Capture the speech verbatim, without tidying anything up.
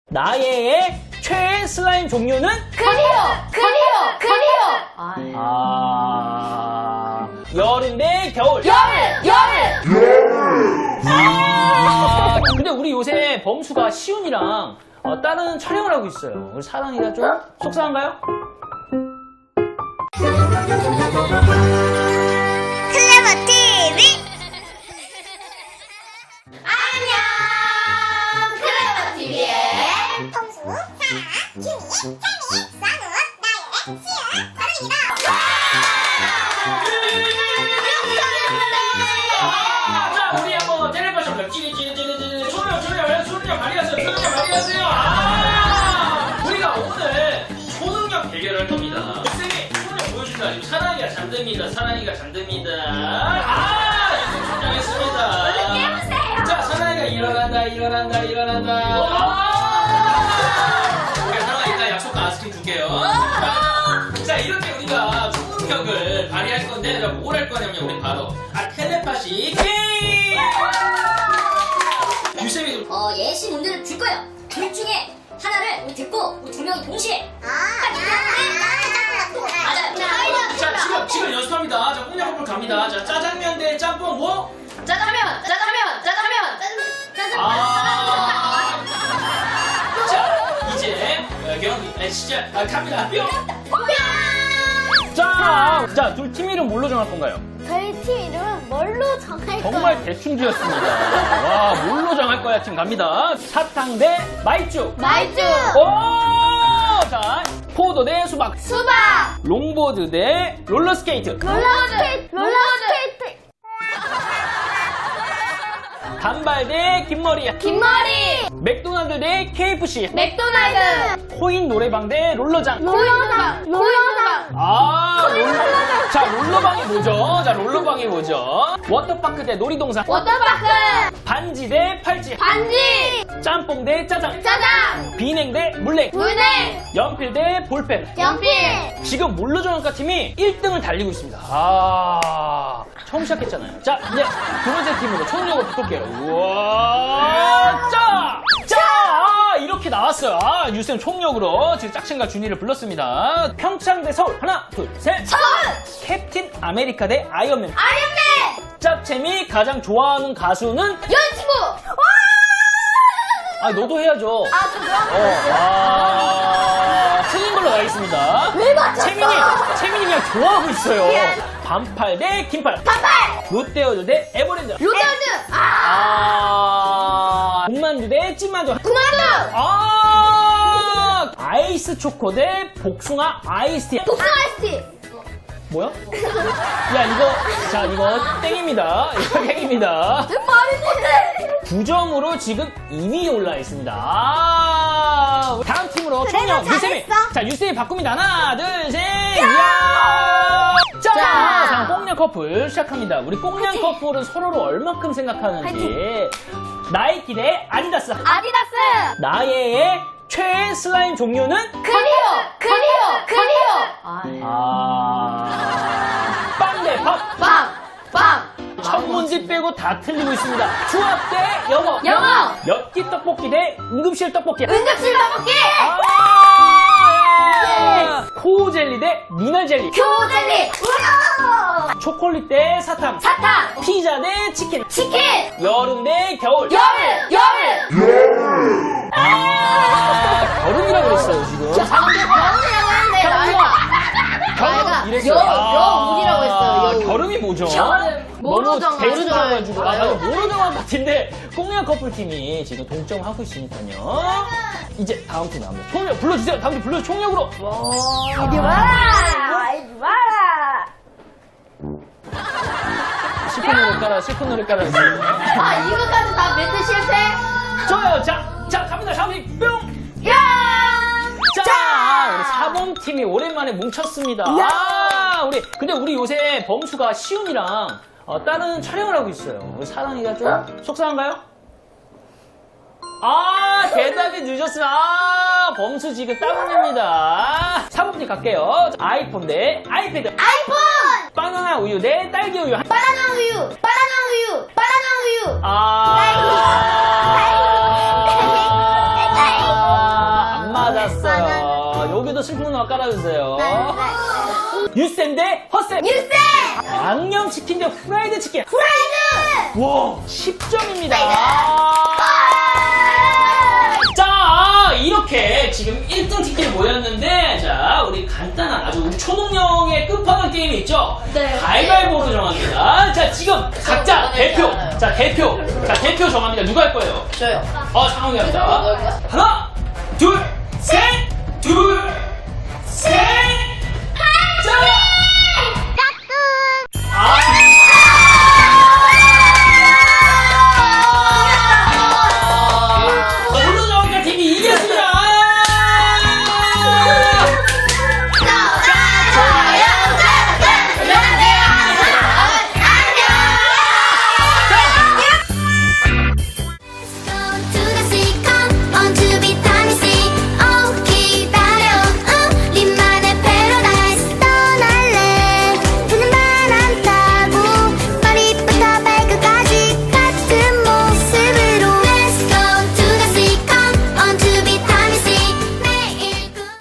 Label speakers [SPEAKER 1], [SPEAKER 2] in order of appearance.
[SPEAKER 1] 나의 최애 슬라임 종류는?
[SPEAKER 2] 클리어! 클리어! 클리어! 아,
[SPEAKER 1] 아, 여름 대 겨울.
[SPEAKER 2] 여름! 여름!
[SPEAKER 1] 아, 근데 우리 요새 범수가 시훈이랑 어, 다른 촬영을 하고 있어요. 우리 사랑이가 좀 속상한가요?
[SPEAKER 3] 클레버 티비
[SPEAKER 2] 안녕! 클레버 티비의
[SPEAKER 3] 홍수, 사랑, 준이, 찬이, 싸누, 나의 시연, 다루입니다.
[SPEAKER 1] 자, 우리 한번 텔레파시 한번 찌릿찌릿찌릿찌릿 소리요, 소리요, 소리요, 많이 하세요, 소리요, 많이 하세요. 아, 우리가 오늘 초능력 대결을 할 겁니다. 쌤이 소리를 보여준다. 지금 사랑이가 잠듭니다. 사랑이가 잠듭니다. 아, 이제 긴장했습니다.
[SPEAKER 2] 얼른 깨우세요.
[SPEAKER 1] 자, 사랑이가 일어난다, 일어난다, 일어난다. 아, 우리 사랑이가 약속한 아이스크림 줄게요. 자, 이렇게 우리가 초능력을 발휘할 건데, 뭘 할 거냐면, 우리 바로, 아, 텔레파시 게임! 유쌤이 좀,
[SPEAKER 2] 어, 예시 문제를 줄 거예요. 둘 중에 하나를 우리 듣고 우리 두 명이 동시에
[SPEAKER 3] 아, 나,
[SPEAKER 2] 맞아요.
[SPEAKER 1] 자, 지금, 지금 연습합니다. 자, 꽁냥꺼풀 갑니다. 자, 짜장면 대 짬뽕, 뭐?
[SPEAKER 2] 짜장면! 짜장면! 짜장면! 짜장면!
[SPEAKER 1] 아. 자, 이제, 어, 경기, 아, 시작, 아, 갑니다. 뿅! 자, 자, 둘 팀 이름 뭘로 정할 건가요?
[SPEAKER 3] 저희 팀 이름은 뭘로 정할
[SPEAKER 1] 정말 대충 지었습니다. 와, 뭘로 정할 거야? 팀 갑니다. 사탕 대 마이쮸.
[SPEAKER 2] 말주!
[SPEAKER 1] 오! 자, 포도 대 수박.
[SPEAKER 2] 수박!
[SPEAKER 1] 롱보드 대 롤러스케이트.
[SPEAKER 3] 롤러스케이트, 롤러스케이트.
[SPEAKER 1] 단발 대 긴머리.
[SPEAKER 2] 긴머리!
[SPEAKER 1] 맥도날드 대 케이에프씨.
[SPEAKER 2] 맥도날드!
[SPEAKER 1] 코인 노래방 대 롤러장.
[SPEAKER 3] 롤러장, 롤러장.
[SPEAKER 1] 아, 롤러. 자, 롤러방이 뭐죠? 자, 롤러방이 뭐죠? 워터파크 대 놀이동산.
[SPEAKER 2] 워터파크!
[SPEAKER 1] 반지 대 팔찌.
[SPEAKER 2] 반지!
[SPEAKER 1] 짬뽕 대 짜장.
[SPEAKER 2] 짜장!
[SPEAKER 1] 비냉 대 물냉.
[SPEAKER 2] 물냉!
[SPEAKER 1] 연필 대 볼펜.
[SPEAKER 2] 연필!
[SPEAKER 1] 지금 물로정학과 팀이 일 등을 달리고 있습니다. 아, 처음 시작했잖아요. 자, 이제 두 번째 팀으로 초능력을 바꿀게요. 우와, 짜! 짜! 아, 이렇게 나왔어요. 아, 유쌤 총력으로 지금 짝친과 준이를 불렀습니다. 평창 대 서울. 하나, 둘, 셋.
[SPEAKER 2] 서울!
[SPEAKER 1] 캡틴 아메리카 대 아이언맨.
[SPEAKER 2] 아이언맨!
[SPEAKER 1] 짭챔이 가장 좋아하는 가수는?
[SPEAKER 2] 연치부!
[SPEAKER 1] 아, 너도 해야죠.
[SPEAKER 2] 아, 저 그럼.
[SPEAKER 1] 어, 아, 틀린 걸로 가겠습니다.
[SPEAKER 2] 왜 맞췄어?
[SPEAKER 1] 채민이, 채민이 그냥 좋아하고 있어요.
[SPEAKER 2] 미안.
[SPEAKER 1] 반팔 대 긴팔.
[SPEAKER 2] 반팔!
[SPEAKER 1] 롯데월드 대 에버랜드.
[SPEAKER 2] 롯데월드! 아!
[SPEAKER 1] 아, 군만두 대 찐만두.
[SPEAKER 2] 구만두!
[SPEAKER 1] 아, 아이스 초코 대 복숭아 아이스티.
[SPEAKER 2] 복숭아 아이스티!
[SPEAKER 1] 뭐야? 야, 이거, 자, 이거 땡입니다. 이거 땡입니다.
[SPEAKER 2] 말이 못해!
[SPEAKER 1] 구 점으로 지금 이 위에 올라 있습니다. 아, 다음 팀으로
[SPEAKER 3] 그래도
[SPEAKER 1] 총력 유쌤이.
[SPEAKER 3] 잘했어.
[SPEAKER 1] 자, 유쌤이 바꿉니다. 하나, 둘, 셋. 야! 자,
[SPEAKER 2] 자.
[SPEAKER 1] 자, 꽁냥 커플 시작합니다. 우리 꽁냥 커플은 서로를 얼마큼 생각하는지. 나이키 대 아디다스.
[SPEAKER 2] 아디다스!
[SPEAKER 1] 나의 최애 슬라임 종류는?
[SPEAKER 2] 클리어! 클리어! 클리어!
[SPEAKER 1] 아, 빵 대 밥.
[SPEAKER 2] 빵! 빵!
[SPEAKER 1] 첫 문제 빼고 다 틀리고 있습니다. 수학 대 영어.
[SPEAKER 2] 영어.
[SPEAKER 1] 엽기 떡볶이 대 응급실 떡볶이.
[SPEAKER 2] 응급실 떡볶이!
[SPEAKER 1] 아! 코jel리 대 미날 젤리.
[SPEAKER 2] 교젤리! 우와!
[SPEAKER 1] 초콜릿 대 사탕.
[SPEAKER 2] 사탕!
[SPEAKER 1] 피자 대 치킨.
[SPEAKER 2] 치킨!
[SPEAKER 1] 여름 대 겨울.
[SPEAKER 2] 여름! 여름!
[SPEAKER 1] 아, 겨울이라고 그랬어요, 지금.
[SPEAKER 2] 겨울이라고 했는데 나이가 나이가
[SPEAKER 1] 이랬어요.
[SPEAKER 2] 여,
[SPEAKER 1] 아,
[SPEAKER 2] 여울이라고 했어요. 여울.
[SPEAKER 1] 겨름이 뭐죠?
[SPEAKER 2] 겨름.
[SPEAKER 1] 너무
[SPEAKER 2] 모로정화.
[SPEAKER 1] 대충 해가지고. 아, 나도
[SPEAKER 2] 모로정화.
[SPEAKER 1] 모로정화 같은데, 꽁냥 커플팀이 지금 동점하고 있으니까요. 이제 다음 팀 나옵니다. 총력 불러주세요. 다음 팀 불러 총력으로.
[SPEAKER 3] 이리 와라, 이리 와라.
[SPEAKER 1] 슬픈 노래 깔아, 슬픈 노래 깔아.
[SPEAKER 2] 아, 이거까지 다 멘트 실패?
[SPEAKER 1] 좋아요. 자, 자, 갑니다. 다음 팀 뿅!
[SPEAKER 2] 야!
[SPEAKER 1] 자, 우리 사 번 팀이 오랜만에 뭉쳤습니다. 아, 우리, 근데 우리 요새 범수가 시훈이랑 어, 다른 촬영을 하고 있어요. 우리 사랑이가 좀 속상한가요? 아, 대답이 늦었어요. 아, 범수 지금 땀납니다. 사 번 팀 갈게요. 아이폰 대 아이패드.
[SPEAKER 2] 아이폰!
[SPEAKER 1] 바나나 우유 대 딸기 우유.
[SPEAKER 2] 바나나 우유! 바나나 우유! 바나나 우유!
[SPEAKER 1] 아. 하나만 깔아주세요.
[SPEAKER 3] 네.
[SPEAKER 1] 유쌤 대 허쌤.
[SPEAKER 3] 유세!
[SPEAKER 1] 양념치킨 대 후라이드 치킨.
[SPEAKER 3] 프라이드!
[SPEAKER 1] 와, 십 점입니다. 자, 이렇게 지금 일 등 팀끼리 모였는데, 자, 우리 간단한 아주 우리 초능력의 끝판왕 게임이 있죠?
[SPEAKER 2] 네.
[SPEAKER 1] 가위바위보로 정합니다. 자, 지금 각자
[SPEAKER 2] 이번엔
[SPEAKER 1] 대표.
[SPEAKER 2] 알아요.
[SPEAKER 1] 자, 대표. 자, 대표 정합니다. 누가 할 거예요?
[SPEAKER 2] 저요.
[SPEAKER 1] 어, 상황이 합니다.
[SPEAKER 2] 누가 할까요?
[SPEAKER 1] 하나, 둘, 셋, 둘,